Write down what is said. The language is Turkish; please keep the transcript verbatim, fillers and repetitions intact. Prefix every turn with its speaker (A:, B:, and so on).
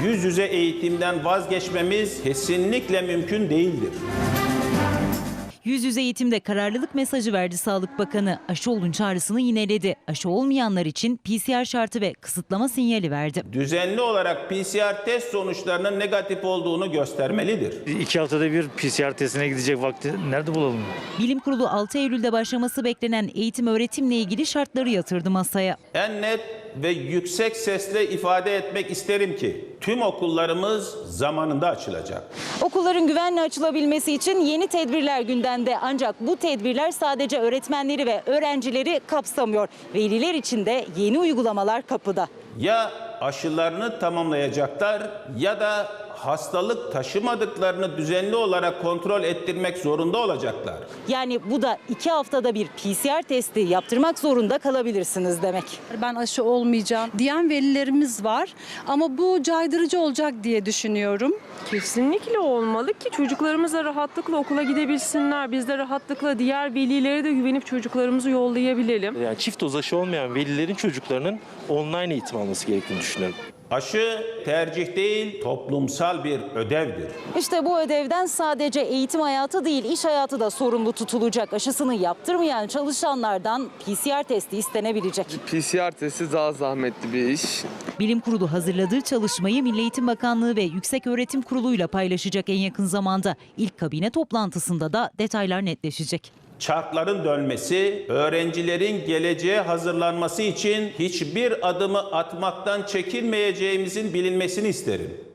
A: Yüz yüze eğitimden vazgeçmemiz kesinlikle mümkün değildir.
B: Yüz yüze eğitimde kararlılık mesajı verdi Sağlık Bakanı. Aşı olun çağrısını yineledi. Aşı olmayanlar için P C R şartı ve kısıtlama sinyali verdi.
A: Düzenli olarak P C R test sonuçlarının negatif olduğunu göstermelidir.
C: İki haftada bir P C R testine gidecek vakti nerede bulalım?
B: Bilim Kurulu altı Eylül'de başlaması beklenen eğitim öğretimle ilgili şartları yatırdı masaya.
A: En net ve yüksek sesle ifade etmek isterim ki tüm okullarımız zamanında açılacak.
B: Okulların güvenle açılabilmesi için yeni tedbirler gündemde. Ancak bu tedbirler sadece öğretmenleri ve öğrencileri kapsamıyor. Veliler için de yeni uygulamalar kapıda.
A: Ya aşılarını tamamlayacaklar ya da hastalık taşımadıklarını düzenli olarak kontrol ettirmek zorunda olacaklar.
B: Yani bu da iki haftada bir P C R testi yaptırmak zorunda kalabilirsiniz demek.
D: Ben aşı olmayacağım diyen velilerimiz var ama bu caydırıcı olacak diye düşünüyorum.
E: Kesinlikle olmalı ki çocuklarımız da rahatlıkla okula gidebilsinler. Biz de rahatlıkla diğer velilere de güvenip çocuklarımızı yollayabilelim.
F: Yani çift doz aşı olmayan velilerin çocuklarının online eğitim alması gerektiğini düşünüyorum.
A: Aşı tercih değil, toplumsal bir ödevdir.
B: İşte bu ödevden sadece eğitim hayatı değil, iş hayatı da sorumlu tutulacak. Aşısını yaptırmayan çalışanlardan P C R testi istenebilecek.
G: P C R testi daha zahmetli bir iş.
B: Bilim Kurulu hazırladığı çalışmayı Milli Eğitim Bakanlığı ve Yükseköğretim Kurulu'yla paylaşacak en yakın zamanda. İlk kabine toplantısında da detaylar netleşecek.
A: Çarkların dönmesi, öğrencilerin geleceğe hazırlanması için hiçbir adımı atmaktan çekinmeyeceğimizin bilinmesini isterim.